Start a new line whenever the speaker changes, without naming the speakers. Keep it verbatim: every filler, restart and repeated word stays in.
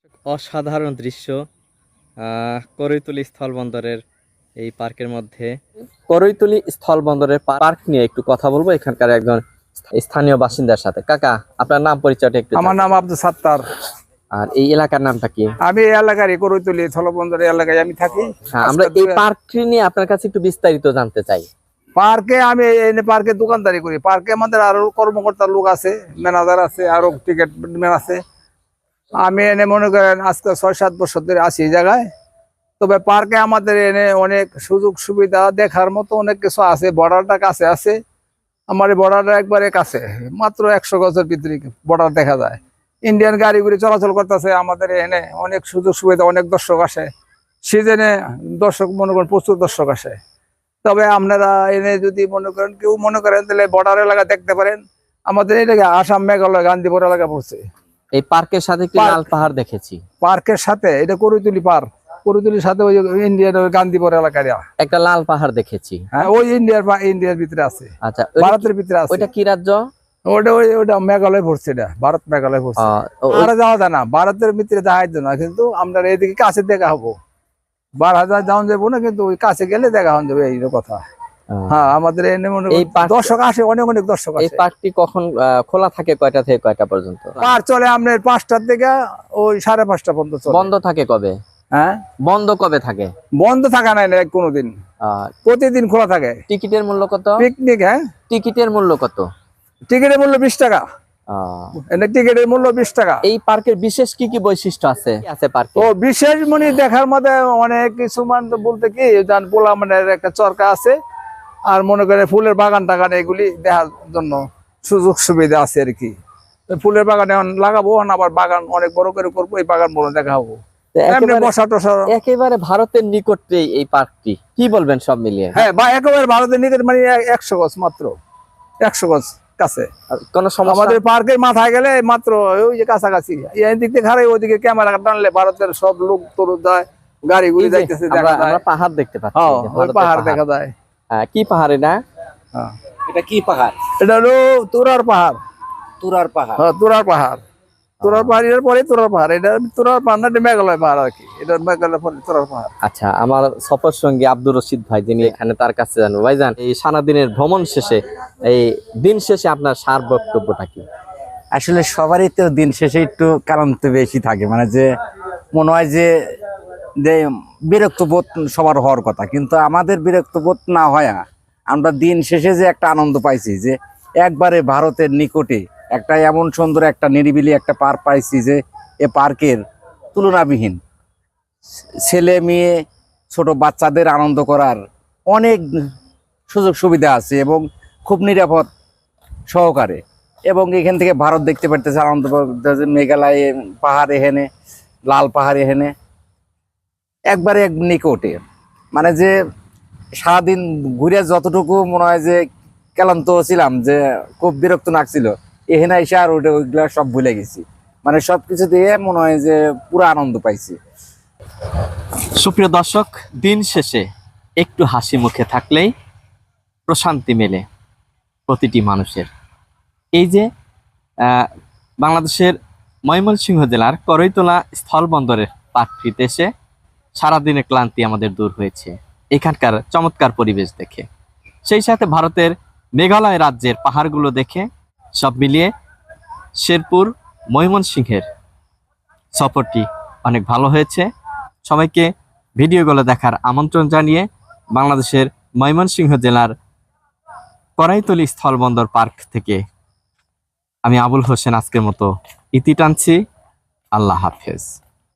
অসাধারণ দৃশ্য আহ করৈতলী স্থলবন্দরের এই পার্কের মধ্যে। করৈতলী স্থলবন্দরের পার্ক নিয়ে একটু কথা বলবো এখানকার একজন স্থানীয় বাসিন্দার সাথে। কাকা, আপনার নাম পরিচয়টা একটু।
আমার নাম আব্দুল সাত্তার।
আর এই এলাকার নামটা কি?
আমি এই এলাকারই, করৈতলী স্থলবন্দর এলাকায় আমি থাকি।
হ্যাঁ, আমরা এই পার্কটি নিয়ে আপনার কাছে একটু বিস্তারিত জানতে চাই।
পার্কে আমি এনে পার্কে দোকানদারি করি। পার্কে আমাদের আরো কর্মকর্তা লোক আছে, ম্যানেজার আছে, আরো টিকিট ম্যান আছে। আমি এনে মনে করেন আজকে ছয় সাত বছর ধরে আছি এই জায়গায়। তবে পার্কে আমাদের এনে অনেক সুযোগ সুবিধা দেখার মতো অনেক কিছু আছে। বর্ডারটা কাছে আছে, আমার এই বর্ডারটা একবারে কাছে, মাত্র একশো গজের ভিতরে বর্ডার দেখা যায়। ইন্ডিয়ান গাড়িগুলি চলাচল করতেছে আমাদের এনে, অনেক সুযোগ সুবিধা, অনেক দর্শক আসে। সিজনে দর্শক মনে করেন প্রচুর দর্শক আসে। তবে আপনারা এনে যদি মনে করেন কেউ মনে করেন তাহলে বর্ডার এলাকা দেখতে পারেন। আমাদের এই জায়গায় আসাম, মেঘালয়, গান্ধীপুর এলাকা পড়ছে।
এই পার্কের সাথে একটি লাল পাহাড় দেখেছি।
পার্কের সাথে এটা করৈতলী পার্ক, করৈতলীর সাথে ওই ইন্ডিয়ান গান্ধীপুর এলাকার
একটা লাল পাহাড় দেখেছি।
হ্যাঁ, ওই ইন্ডিয়ার ইন্ডিয়ার ভিতরে আছে।
আচ্ছা,
ভারতের ভিতরে আছে।
ওইটা কি রাজ্য?
ওটা ওই ওটা মেঘালয় পড়ছে, এটা ভারত মেঘালয় পড়ছে। আর যাওয়া যায় না, ভারতের ভিতরে যাওয়া যায় না, কিন্তু আমরা এদিকে কাছে দেখা হবো। বার হাজার যাওয়া যাবো না, কিন্তু ওই কাছে গেলে দেখা হন যাবে, এই কথা। হ্যাঁ, আমাদের এনে মনে দর্শক আসে, অনেক অনেক দর্শক আসে।
এই পার্কটি কখন খোলা থাকে, কয়টা থেকে কয়টা পর্যন্ত?
পার্ক চলে আপনার পাঁচটার থেকে ওই সাড়ে পাঁচটা পর্যন্ত।
বন্ধ থাকে কবে?
হ্যাঁ,
বন্ধ কবে থাকে?
বন্ধ থাকা নাই না কোনোদিন, প্রতিদিন খোলা থাকে।
টিকিটের মূল্য কত? পিকনিক,
হ্যাঁ,
টিকিটের মূল্য কত?
টিকিটের মূল্য বিশ টাকা। টিকিটের মূল্য বিশ টাকা।
এই পার্কের বিশেষ কি কি বৈশিষ্ট্য আছে আছে পার্কে? ও
বিশেষ মানে দেখার মধ্যে অনেক কিছু, মানে বলতে কি জান, পোলা মানে একটা চরকা আছে, আর মনে করে ফুলের বাগান টাগান, এগুলি দেখার জন্য সুযোগ সুবিধা আছে আর কি। ফুলের বাগানে লাগাবো, আবার বাগান অনেক বড় করে করবো, এই বাগান বড় দেখা হবো।
একেবারে ভারতের নিকটে এই পার্কটি, কি বলবেন সব মিলিয়ে?
হ্যাঁ, বা একেবারে ভারতের নিকট, মানে একশো গজ, মাত্র একশো গজ কাছে।
কোনো সমস্যা? আমাদের
পার্কের মাথায় গেলে মাত্র ওই যে কাছাকাছি, এদিক থেকে হারাই ওইদিকে ক্যামেরা টানলে ভারতের সব লোক তোর যায়, গাড়িগুলি যাইতেছে, দেখা যায়।
পাহাড় দেখতে পাচ্ছি,
ওই পাহাড় দেখা যায়।
কি পাহাড় এটা?
এটা কি পাহাড়?
এটা হলো তুরার পাহাড়।
তুরার পাহাড়,
হ্যাঁ, তুরার পাহাড়। তুরার পাহাড়ের পরে তুরার পাহাড়। এটা তুরার পাহাড় না, মেঘালয় পাহাড় আর কি। এটা মেঘালয় পরে তুরার পাহাড়।
আচ্ছা, আমার সফর সঙ্গী আব্দুর রশিদ ভাই, যিনি এখানে, তার কাছে জানবো। ভাইজান, এই সারাদিনের ভ্রমণ শেষে, এই দিন শেষে আপনার সার বক্তব্যটা কি?
আসলে সবারই তো দিন শেষে একটু ক্লান্ত বেশি থাকে, মানে যে মনে হয় যে বিরক্ত বোধ সবার হওয়ার কথা, কিন্তু আমাদের বিরক্ত বোধ না হয়। আমরা দিন শেষে যে একটা আনন্দ পাইছি, যে একবারে ভারতের নিকটে একটা এমন সুন্দর একটা নিরিবিলি একটা পার্ক পাইছি, যে এ পার্কের তুলনাবিহীন। ছেলে মেয়ে ছোট বাচ্চাদের আনন্দ করার অনেক সুযোগ সুবিধা আছে, এবং খুব নিরাপদ সহকারে। এবং এখান থেকে ভারত দেখতে পারতেছে, আনন্দ মেঘালয় পাহাড়, এখানে লাল পাহাড়, এখানে একবারে এক নিকটে। মানে যে সারাদিন ঘুরে যতটুকু মনে হয় যে ক্লান্ত ছিলাম, যে খুব বিরক্ত লাগছিল, এখানে এসে আর ওটা ওইগুলা সব ভুলে গেছি। মানে সবকিছু দিয়ে মনে হয় যে পুরো আনন্দ পাইছি।
সুপ্রিয় দর্শক, দিন শেষে একটু হাসি মুখে থাকলেই প্রশান্তি মেলে প্রতিটি মানুষের। এই যে বাংলাদেশের ময়মনসিংহ জেলার করৈতলা স্থলবন্দরের পার্কটিতে এসে সারাদিনের ক্লান্তি আমাদের দূর হয়েছে এখানকার চমৎকার পরিবেশ দেখে, সেই সাথে ভারতের মেঘালয় রাজ্যের পাহাড়গুলো দেখে। সব মিলিয়ে শেরপুর ময়মনসিংহের সফরটি অনেক ভালো হয়েছে। সবাইকে ভিডিওগুলো দেখার আমন্ত্রণ জানিয়ে বাংলাদেশের ময়মনসিংহ জেলার করৈতলী স্থলবন্দর পার্ক থেকে আমি আবুল হোসেন আজকের মতো ইতি টানছি। আল্লাহ হাফেজ।